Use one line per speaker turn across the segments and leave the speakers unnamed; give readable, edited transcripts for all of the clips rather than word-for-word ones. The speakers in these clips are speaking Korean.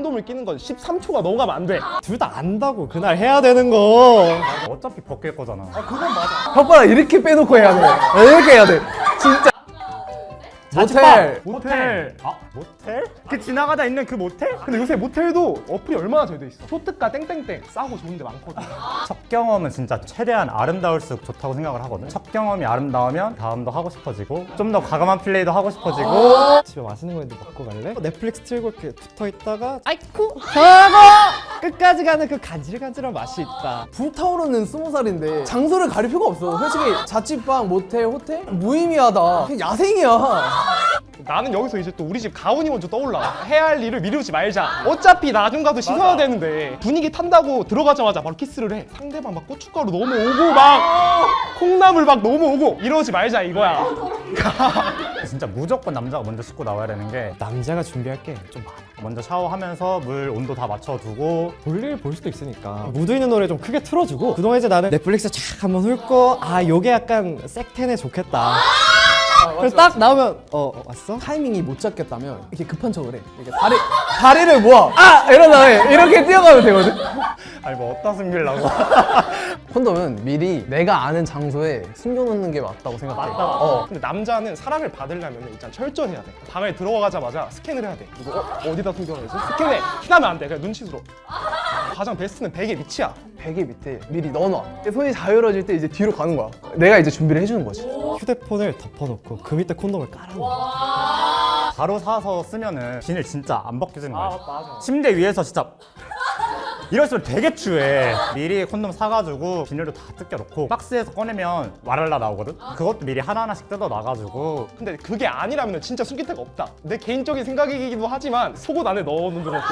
콘돔을 끼는 건 13초가 넘어가면 안 돼.
둘 다 안다고 그날 해야 되는 거.
어차피 벗길 거잖아.
그건 맞아.
혓바닥 이렇게 빼놓고 해야 돼. 이렇게 해야 돼. 진짜. 모텔.
모텔.
아, 모텔? 그 지나가다 있는 그 모텔?
근데 요새 모텔도 어플이 얼마나 잘 돼 있어. 초특가 땡땡땡 싸고 좋은데 많거든.
첫 경험은 진짜 최대한 아름다울수록 좋다고 생각을 하거든. 첫 경험이 아름다우면 다음도 하고 싶어지고 좀 더 과감한 플레이도 하고 싶어지고.
집에 맛있는 거 있는데 먹고 갈래? 넷플릭스 틀고 이렇게 붙어 있다가 아이쿠 하고 끝까지 가는 그 간질간질한 맛이 있다.
불타오르는 20살인데 장소를 가릴 필요가 없어. 솔직히 자취방, 모텔, 호텔 무의미하다. 그냥 야생이야.
나는 여기서 이제 또 우리 집 가훈이 먼저 떠올라. 해야 할 일을 미루지 말자. 어차피 나중 가도 씻어야 되는데 분위기 탄다고 들어가자마자 바로 키스를 해. 상대방 막 고춧가루 넘어오고 막 콩나물 막 넘어오고 이러지 말자 이거야.
진짜 무조건 남자가 먼저 씻고 나와야 되는 게
남자가 준비할 게 좀 많아.
먼저 샤워하면서 물 온도 다 맞춰두고
볼일 볼 수도 있으니까 무드 있는 노래 좀 크게 틀어주고 그동안 이제 나는 넷플릭스 쫙 한번 훑고 아 요게 약간 색텐에 좋겠다. 그래서 딱 나오면 왔어?
타이밍이 못 잡겠다면 이렇게 급한 척을 해. 이렇게 다리를 모아. 이런 다음에 이렇게 뛰어가면 되거든.
아니 뭐 어디다 숨기려고.
콘돔은 미리 내가 아는 장소에 숨겨놓는 게 맞다고 생각해.
근데 남자는 사랑을 받으려면 일단 철저해야 돼. 방에 들어가자마자 스캔을 해야 돼. 이거 어디다 숨겨놓지? 스캔해. 티나면 안 돼. 그냥 눈치스러워. 가장 베스트는 베개 밑이야.
베개 밑에 미리 넣어놔. 손이 자유로워질 때 이제 뒤로 가는 거야. 내가 이제 준비를 해주는 거지.
휴대폰을 덮어놓고 그 밑에 콘돔을 깔아놔.
바로 사서 쓰면은 비닐 진짜 안 벗겨지는 거야.
맞아.
침대 위에서 진짜 이럴수록 되게 추해. 미리 콘돔 사가지고 비닐도 다 뜯겨놓고 박스에서 꺼내면 와랄라 나오거든? 그것도 미리 하나하나씩 뜯어놔가지고.
근데 그게 아니라면 진짜 숨길 데가 없다. 내 개인적인 생각이기도 하지만 속옷 안에 넣어놓는 것도.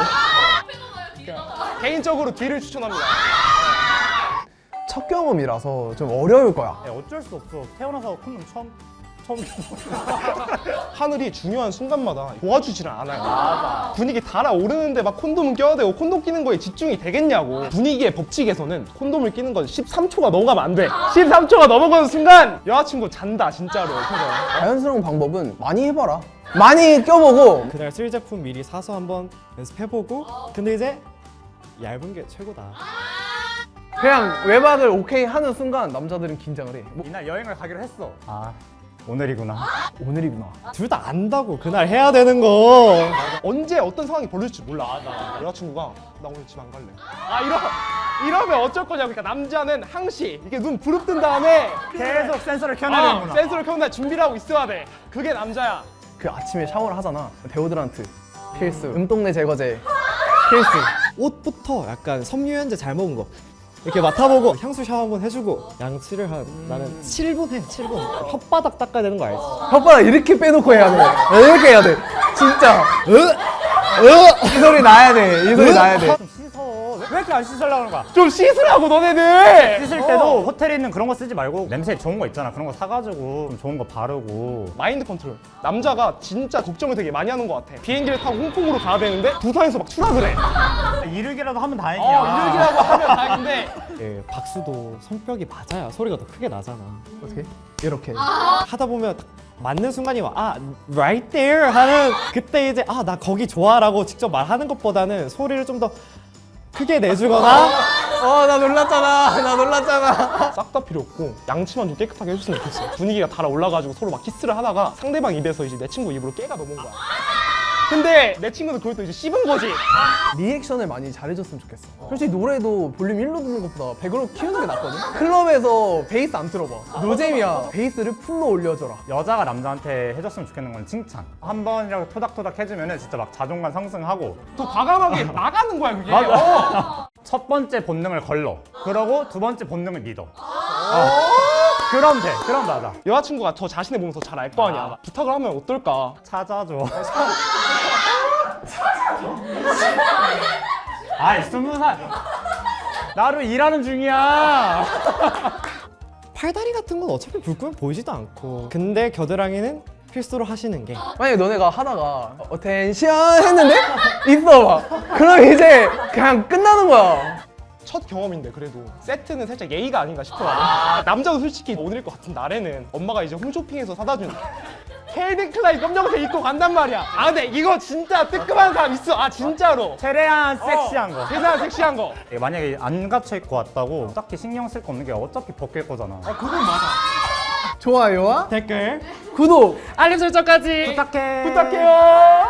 개인적으로 뒤를 추천합니다.
첫 경험이라서 좀 어려울 거야.
야, 어쩔 수 없어. 태어나서 콘돔 처음
하늘이 중요한 순간마다 도와주지를 않아요. 분위기 달아오르는데 막 콘돔은 껴야 되고 콘돔 끼는 거에 집중이 되겠냐고. 분위기의 법칙에서는 콘돔을 끼는 건 13초가 넘어가면 안 돼. 13초가 넘어가는 순간 여자친구 잔다 진짜로.
자연스러운 방법은 많이 해봐라. 많이 껴보고
그날 쓸 제품 미리 사서 한번 연습해보고 근데 이제 얇은 게 최고다.
그냥 외박을 오케이 하는 순간 남자들은 긴장을 해.
이날 여행을 가기로 했어. 아, 오늘이구나.
오늘이구나.
둘 다 안다고 그날 해야 되는 거.
언제 어떤 상황이 벌어질지 몰라. 여자친구가 나 오늘 집 안 갈래. 이러면 어쩔 거냐고. 그러니까 남자는 항시 이게 눈 부릅뜬 다음에
계속 센서를 켜놔야 되는구나.
센서를 켜놓고 준비를 하고 있어야 돼. 그게 남자야.
그 아침에 샤워를 하잖아. 데오드란트 필수. 음동네 제거제 필수.
옷부터 약간 섬유유연제 잘 먹은 거 이렇게 맡아보고 향수 샤워 한번 해주고 양치를 한 나는 7분 해. 7분. 혓바닥 닦아야 되는 거 알지?
혓바닥 이렇게 빼놓고 해야 돼. 이렇게 해야 돼. 진짜. 이 소리 나야 돼. 이 소리 나야 돼.
좀 씻어. 왜 이렇게 안 씻으려고 하는 거야?
좀 씻으라고 너네들.
씻을 때도 호텔에 있는 그런 거 쓰지 말고 냄새 좋은 거 있잖아. 그런 거 사가지고 좀 좋은 거 바르고.
마인드 컨트롤. 남자가 진짜 걱정을 되게 많이 하는 것 같아. 비행기를 타고 홍콩으로 가야 되는데 부산에서 막 추락을 해.
이르기라도 하면 다행이야.
이러기라고 하면 다행인데.
예, 박수도 손뼉이 맞아야 소리가 더 크게 나잖아.
어떻게? 이렇게.
하다 보면 딱 맞는 순간이 와. right there 하는 그때 이제 나 거기 좋아라고 직접 말하는 것보다는 소리를 좀 더 크게 내주거나
나 놀랐잖아. 나 놀랐잖아.
싹 다 필요 없고 양치만 좀 깨끗하게 해줬으면 좋겠어. 분위기가 달아올라가지고 서로 막 키스를 하다가 상대방 입에서 이제 내 친구 입으로 깨가 넘어온 거야. 근데 내 친구는 그걸 또 이제 씹은 거지.
리액션을 많이 잘해줬으면 좋겠어. 솔직히 노래도 볼륨 1로 듣는 것보다 100으로 키우는 게 낫거든? 클럽에서 베이스 안 틀어봐. 노잼이야. 베이스를 풀로 올려줘라.
여자가 남자한테 해줬으면 좋겠는 건 칭찬. 한 번이라도 토닥토닥 해주면은 진짜 막 자존감 상승하고.
더 과감하게 나가는 거야 그게.
첫 번째 본능을 걸러. 그러고 두 번째 본능을 믿어. 그럼 돼. 그럼 맞아.
여자친구가 저 자신을 보면서 잘 알 거 아니야. 부탁을 하면 어떨까?
찾아줘. 아이 20살. 나로 일하는 중이야.
팔다리 같은 건 어차피 불 끄면 보이지도 않고 근데 겨드랑이는 필수로 하시는 게
만약에 너네가 하다가 어텐션 했는데 있어봐. 그럼 이제 그냥 끝나는 거야.
첫 경험인데 그래도 세트는 살짝 예의가 아닌가 싶어. 남자도 솔직히 오늘일 것 같은 날에는 엄마가 이제 홈쇼핑에서 사다 준 켈빈 클라인 검정색 입고 간단 말이야. 아 근데 이거 진짜 뜨끔한 사람 있어. 아 진짜로.
최대한 섹시한 거.
최대한 섹시한 거.
만약에 안 갇혀 입고 왔다고 딱히 신경 쓸 거 없는 게 어차피 벗길 거잖아.
그건 맞아.
좋아요와
댓글
구독
알림 설정까지
부탁해.
부탁해요.